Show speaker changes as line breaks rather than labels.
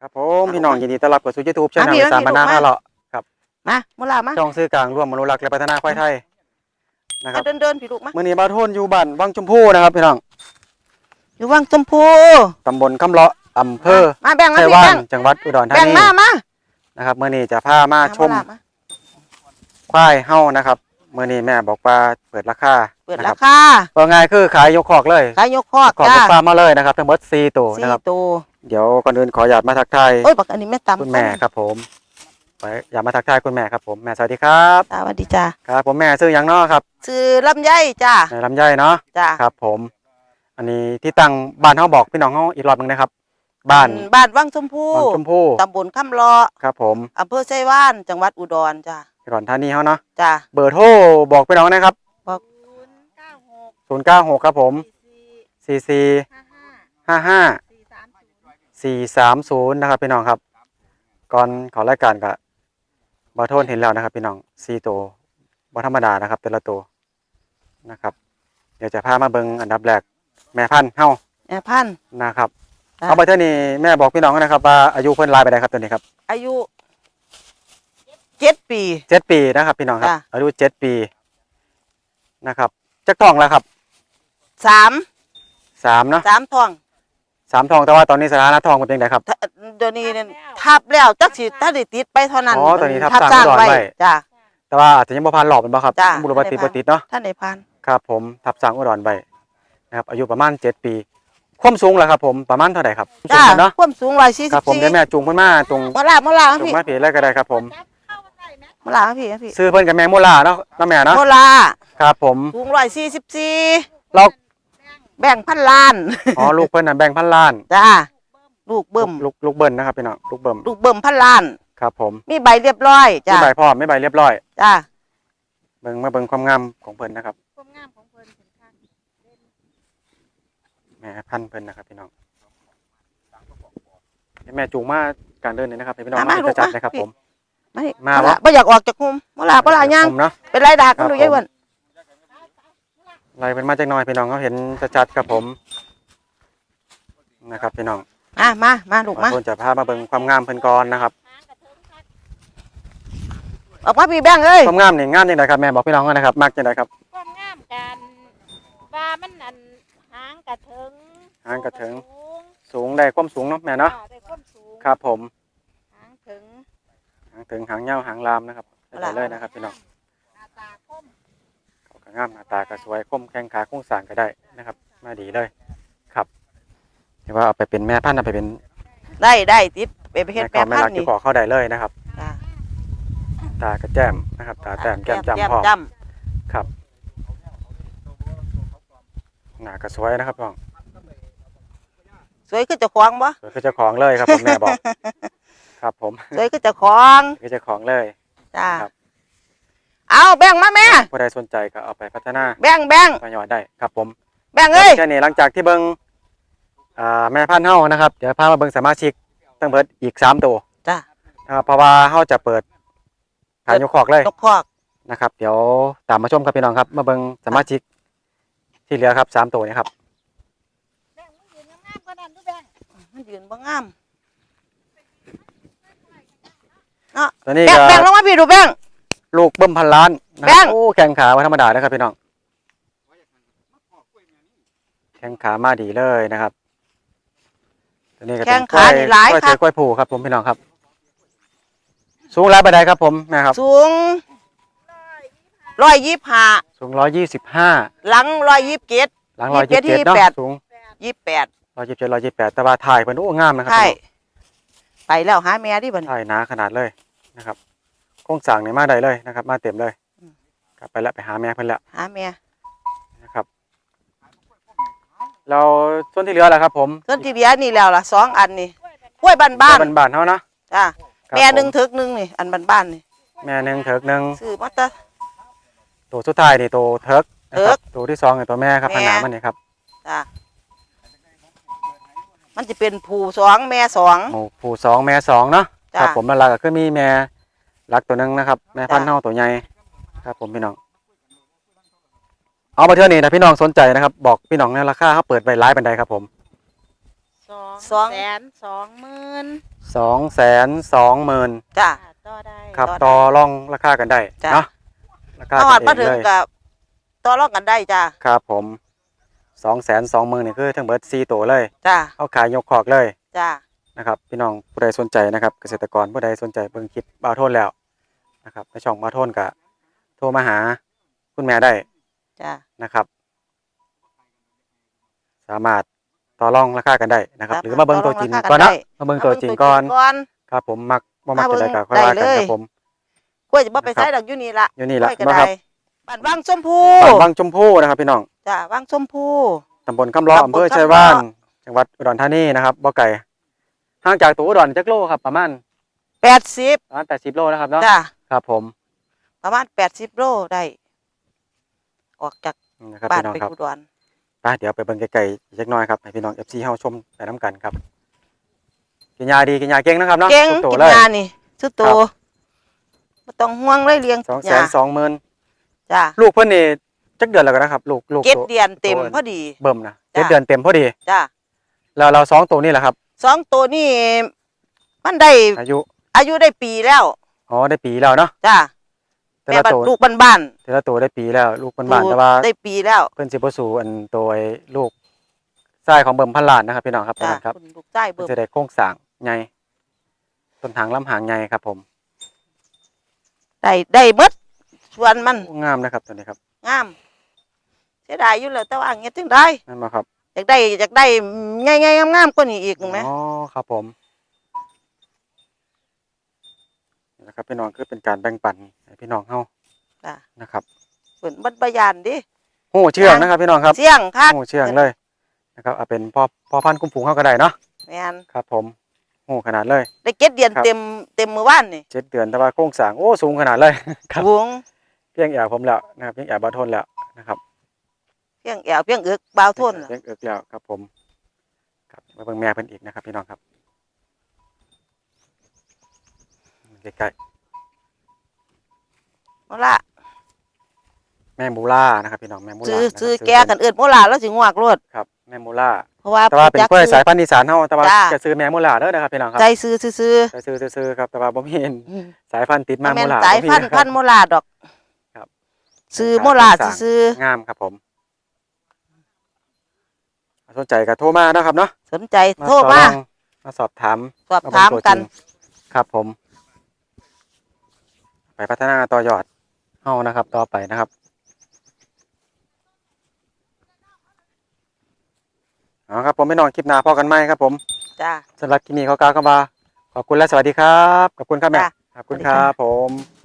ครับผมพี่น้องยินดีต้อนรับเข้าสู่ YouTube ช่องอีสานบ้านนาท่าเลาะครับ
มามุลามา
ช่องสื่อกลางร่วมอนุรักษ์และพัฒนาควายไทยนะครับ
เดินพี่ลูกมา
มื้อนี้บ่าวโทนอยู่บ้านวังชมพูนะครับพี่น้อง
อยู่วังชมพู
ตำบลคำเลาะอำเภอ
มาแบ่งมา
ไช
พี่
ยวา
แบ่
น
ง
จังหวัดอุดรธา
แบ่ง
นี
มา
นะครับมื้อนี้จะพามาชม
มา
ควายเฮานะครับมื้อนี้แม่บอกว่าเปิดราคา
เปิด
นะ
รา
ครับ
คา
ว่าง่ายคือขายยกคอกเลย
ขายยกคอก
คอก
จ้าย
กฟาร์มมาเลยนะครับทั้งหมด4ตัวนะครับ
4ตัว
เดี๋ยวก่อนอื่นขออนุญาตมาทักทาย
โอ้ยบักอันนี้แม่ตำ
คุณแม่ครับผมไปอยากมาทักทายคุณแม่ครับผมแม่สวัสดีครับ
สวัสดีจ้า
ครับผมแม่ชื่อหยังเนาะครับ
ชื่อลำไยจ้า
แม่ลำไยเนาะ
จ้า
ครับผมอันนี้ที่ตั้งบ้านเฮาบอกพี่น้องเฮาอีกรอบหนึงนะครับบ้าน
วังชมพู
บางชมพู่
ตำบลคำเลาะ
ครับผม
อำเภอไชยวาน จังหวัดอุดรจ้า
อุดรธานีเฮาเนาะ
จ้า
เบอร์โทรบอกพี่น้องนะครับ
บอก
096ครับผม4455 430นะครับพี่น้องครับก่อนเขอรายการก็บ่โทนเห็นแล้วนะครับพี่น้อง4ตัวบ่ธรรมดานะครับแต่ละตัวนะครับเดี๋ยวจะพามาเบิ่งอันดับแรกแม่พันธุ์เฮา
แม่พันธุ์
นะครับ
จ้ะ
เอาไปเท่านี้แม่บอกพี่น้องนะครับว่าอายุเพิ่นหลายไปได้ครับตัวนี้ครับ
อายุ7 ปี
7 ปีนะครับพี่น้องครับ
จ้ะ
อายุ7 ปีนะครับจักทองแล้วครับ
3
เนาะ
3ท้อง
3ทองแต่ว่าตอนนี้สถานะทองเป็นยังไงครับ
เดี๋ยวนี้เนี่ยทับแล้วจักสิถ้าได้ติดไปเท่านั้น
อ๋อตอนนี้ทับ
สร้าง
สร้างอุดรไว้
จ้า
แต่ว่าอาจจะยังบ่ผ่านหลอบเป็นบ่ครับ
จ้ะ
บุรุษบัติบ่ติดเนาะ
ท่านได้พัน
ครับผมทับสร้างอุดรไว้นะครับอายุประมาณ7 ปีความสูงล่ะครับผมประมาณเท่าไหร่ครับสู
จ้าง
เนาะ
ความสูง
ครับผมเดี๋ยวแม่จูงเพิ่นมาตรง
มาลา
ตรง
พี่
มาผีเลยก็ได้ครับผม
มาลาพี่
ซื้อเพิ่นกับแม่โมลาเนาะน้าแม่เนาะ
โมลา
ครับผม
สูง144
เรา
แบ่งพันล้าน
อ๋อลูกเพิ่นน่ะแบ่งพันล้าน
จ้าลูกเบิ่ม
ลูกเบิ้ลนะครับพี่น้องลูกเบิ้ม
ลูกเบิ่มพันล้าน
ครับผม
มีใบเรียบร้อย
ไม่
จ้า
ใบพร้อมไม่ใบเรียบร้อย
จ้า
เบิ่งมาเบิ่งความงามของเพิ่นนะครับ
ความงามของเพิ่นถึงขั้น
แม่พันธุ์เพิ่นนะครับพี่น้องให้แม่จูงมาการเดินเลยนะครับให้พี่น้องมาจะจัดนะครับผม
ไม่
มา
บ่
วะ
บ่อยากออกจากคุมมาลาย่าง
ผมเนาะ
เป็นไรดากกันดู
ครับ
ยายอ้วน
ไล่เป็นมาจากหน้อยพี่น้องเขาเห็นจะจัดครับผมนะครับพี่น้อง
มาลูกมา
คนจะพามาเบิ่งความงามเพิ่นก่อนนะครับ
ออกมาพี่แบ่งเอ้ย
ความงามนี่งามจังไดครับแม่บอกพี่น้องกันนะครับมักจังไดครับ
ความงามกันว่ามันอันหางกระเถิง
หางกระเถิง
สูง
สูงได้ความสูงเนาะแม่เนาะ
ได้ความสูง
ครับผม
หางถึง
หางถึงหางยาวหางลามนะครับได้เลยนะครับพี่น้อง
หน้าตาคม
เขาก็งามหน้าตาก็สวยคมแข้งขาโครงสร้างก็ได้นะครับมาดีเลยครับที่ว่าเอาไปเป็นแม่พันธุ์เอาไปเป็น
ได้ติดไปเฮ็ด
แม่
แม่
ก็ไม่
พั
รั
น
ก
ธุ์
ที่
นี่
ขอเข้าได้เลยนะครับ
จ้า
ตากระแจ่มนะครับตาแต้มแก้มจำพ่อ
จ
ครับหน้าก็สวยนะครับน้อง
ำสวยคือเจ้าของบ่
สวยคือเจ้าของเลยครับผมแม่บอกครับผม
สวยคือเจ้าของ
คือเจ้าของเลย
จ้า
ครับ
เอาแบ่งมาแม่
ผู้ใดสนใจก็เอาไปพัฒนา
แบ่ง
ต่อยอดได้ครับผม
เอ้ย
แค่นี้หลังจากที่เบิ่งแม่พันธุ์เฮานะครับเดี๋ยวพามาเบิ่งสมาชิกตั้งเบิดอีก3ตัว
จ้า
นะครับเพราะว่าเฮาจะเปิดขายยกคอกเลย
นกคอก
นะครับเดี๋ยวตามมาชมครับพี่น้องครับมาเบิ่งสมาชิกที่เหลือครับ3ตัวนี้ครับ
แบ่งมันยืนงามๆกว่านั้นดูแบ่ง
มันยืนบ่งาม
ตัวนี้
แบ่ง
ก็
แบ่งลงมาพี่ดูแบ่ง
ลูกเบิ่มพันล้านนะ
แบ่
ครับ
ง
โอ้แข้งขาบ่ธรรมดานะครับพี่น้องแข้งขามาดีเลยนะครับตัวนี้ก็
แข้
เป็น
งขานี่หลาย
กล้วย
ครั
เสือบ กล้วยผูครับผมพี่น้องครับ สูงหลายปานใดครับผมแม่ครับ
สูง125
สูง125
หลัง127
หลัง
27
127เนาะ
28
สูง
28
127 128แต่ว่าถ่ายเพิ่นโอ้งามนะครับ
ใช่
พี่น้อง
ไปแล้วหาแม่ดิบัดนี้
ถ่ายหนาขนาดเลยนะครับโครงสร้างนี่มาได้เลยนะครับ มาเต็มเลย
อืม
กลับไปแล้วไปหาแม่เพิ่นแล้ว
หาแม่
นะครับเราส่วนที่เหลือแหละครับผม
ส่วนที่เหลือนี่แล้วล่ะ2อันนี่กล้วยบ้าน
บ้านๆเฮานะ
ๆจ้า
ครับ
แม่หนึ่ง
ผ
ถึกหนึ่งนี่อันบ้านๆนี่
แม่หนึ่งเถิกหนึ่ง
ซื้อมาแตะ
ตัวสุดท้ายนี่ตัวเถิกนะครับ
เถิก
ตัวที่2นี่ตัวแม่ครับ
แม่
ขนาดมันนี่ครับ
จ้ามันจะเป็นผู้2แม่2
หมู่ผู้2แม่2เนาะ
จ้ะ
ครับผมนั่นล่ะก็คือมีแม่รักตัวหนึงนะครับ แม่พันธุ์
จ้ะ
เฮาตัวใหญ่ครับผมพี่น้องเอามาเทื่อนี้นะพี่น้องสนใจนะครับบอกพี่น้องในราคาเขาเปิดไว้หลายปานใดครับผม
สอง
220,000
220,000
จ้า
ต่อได้
ครับ
ต่
ต่
อ
อ
ได้
รองราคากันได้
จ้ะ
เนาะราคา
ถ้า
กั
หอด
นเอ
มาง ถึง
เลย
กับต่อรองกันได้จ้า
ครับผม220,000นี่คือทั้งเบิด4ตัวเลย
จ้า
เอาขายยกคอกเลย
จ้า
นะครับพี่น้องผู้ใดสนใจนะครับเกษตรกรผู้ใดสนใจเบิ่งคลิปบ่าวโทนแล้วนะครับในช่องบ่าวโทนก็โทรมาหาคุณแม่ได้
จ้า
นะครับ สามารถต่อรองราคากันได้นะครับ หรือมาเบิ่งตัวจริง
ต่อรองราคา
ก่อน
กัน
นะ
ได้
มาเบิ่งตัวจริงก่อน
ก่อน
ครับผมมักบ่มัก
มาเบิ่
จะ
ง
ได้ก็ค่อยว่า
ได้
กัน
เลย
ครับผม
กล้วยจะบ่ไป
นะครับ
ใส่ดอกอยู่นี่ละ
อยู่นี่ล่ะ
กล้วยก็
บ่
ได้
ครับ
บ้านวังชมพู
บ้านวังชมพูนะครับพี่น้อง
จ้าวังชมพู
ตำบลคำล้อ
ตำบล
อำเภอ
คำล้อ
ชัยวานจังหวัดอุดรธานีนะครับบ่ไกลห่างจากตัวอุดรจักโลครับประมาณ
80
80 โลนะครับเนาะ
จ้า
ครับผม
ประมาณ80โลได้ออกจาก
นะครับ
บ้าน
พี่น้อง
ไป
ครับ
อุดร
ไปเดี๋ยวไปเบิ่งไกลๆอีกจักหน่อยครับให้พี่น้อง FC เฮาชมไปนํกันครับกินยาดีกินยาเก่งนะครับเนาะ
เก่ง
ทุตัว
กิน
เลย
ยานี่สุดโตบ่ต้องห่วงเลยเลี้ยงยา
220,000
จ้า
ลูกเพิ่นนี่จักเดือนแล้วกันนะครับลูก
เจ็ด
ตัว
เดือนเต็ม
ตัว
พอดี
เบิ่มนะ
จ้ะ
7เดือนเต็มพอดี
จ้า
แล้วเรา2ตัวนี่แหละครับ
2ตัวนี่มันได้
อายุ
อายุได้ปีแล้ว
อ๋อได้ปีแล้วเนาะ
จ้า
แต่
แม่
ละ
บัด
ตัว
ลูกบ้าน
แต่ละตัวได้ปีแล้ว ลูก
ๆ
บ้านๆแต่ว่า
ได้ปีแล้ว
เพิ่นสิบ่สู่อันตัวไอ้ลูกชายของเบิ่มพันล้านนะครับพี่น้องครับ
จ้า
ครับ
คุณลูกใต้
เพิ่
เบิ่
น
ม
จะได้โครงสร้างใหญ่ต้นทางลำหางใหญ่ครับผม
ได้หมดส่วนมัน
โอ้งามนะครับตัวนี้ครับ
งามเสียดายอยู่แล้วแต่ว่าเงี้ยถึงได้
นั่นบ่ครับ
อยากได้ง่ายๆงามๆกว่านี้อีกไหม
อ๋อครับผมนี่นะครับพี่น้องคือเป็นการแบ่งปันให้พี่น้องเฮา
จ้า
นะครับ
เปิดบรรยานดิ
โอ้เชื่องนะครับพี่น้องครับ
เสี่ยงคัก
โอ้เชื่องเลยนะครับเอาเป็นพ่อพันธุ์กุ้งผงเฮาก็ได้เนาะ
แม่น
ครับผมโอ้ขนาดเลย
ได้7เดือน
ครับ
เต็มมื้อวานนี่
7 เดือนแต่ว่าโครงสร้างโอ้สูงขนาดเลย ครับ
สูง
เพียงแอบผมแล้วนะครับเพียงแอบบ่ทนแล้วนะครับ
เพียงแอวเพียงเอึกบ่าวทน
เพียงเอิกแล้วครับผมครับมาเบิ่งแม่เพิ่นอีกนะครับพี่น้องครับใกล้
เอาล่ะ
ๆแม่มูล่านะครับพี่น้องแม่มูล่า
ซื้อ
นะครับ
แกกันเอิ้นโมลาแล้วสิงวกรวด
ครับแม่มูล่า
เพราะว่า
แต่ว่าเป็นกล้วยสาย
จัก
พันธุ์อีสานเฮาแต่ว่า
จ้า
จะซื้อแม่มูล่าเด้อนะครับพี่น้องครับ
ใจซื้อ
จะซื้อครับแต่ว่าบ่มี
ๆ
สายพันธุ์ติด
มั
มาน
แม่
มู
น
ล่า
สาย
บ่มี
พันธุ์
นะครับ
พันธุ์โมลาดอก
ครับ
ซื้อโมลาซื้อง
ามครับผมสนใจก็โทรมานะครับเนาะ
สนใจ
มา
โทร
ต่อ
มาร
องมาสอบถาม
สอบถาม
เบิ่งตัว
กัน
จริงครับผม ไปพัฒนาต่อยอดเฮานะครับ ต่อไปนะครับเอาครับผมไม่นอนคลิปหน้าพอกันไหมครับผม
จ้า
สำหรับคลิปนี้ขอกล่าวคำว่าขอบคุณและสวัสดีครับขอบคุณครับแม่
จ้ะ
ขอบคุณ
สวัสดี
ค
ค่ะ
รับผม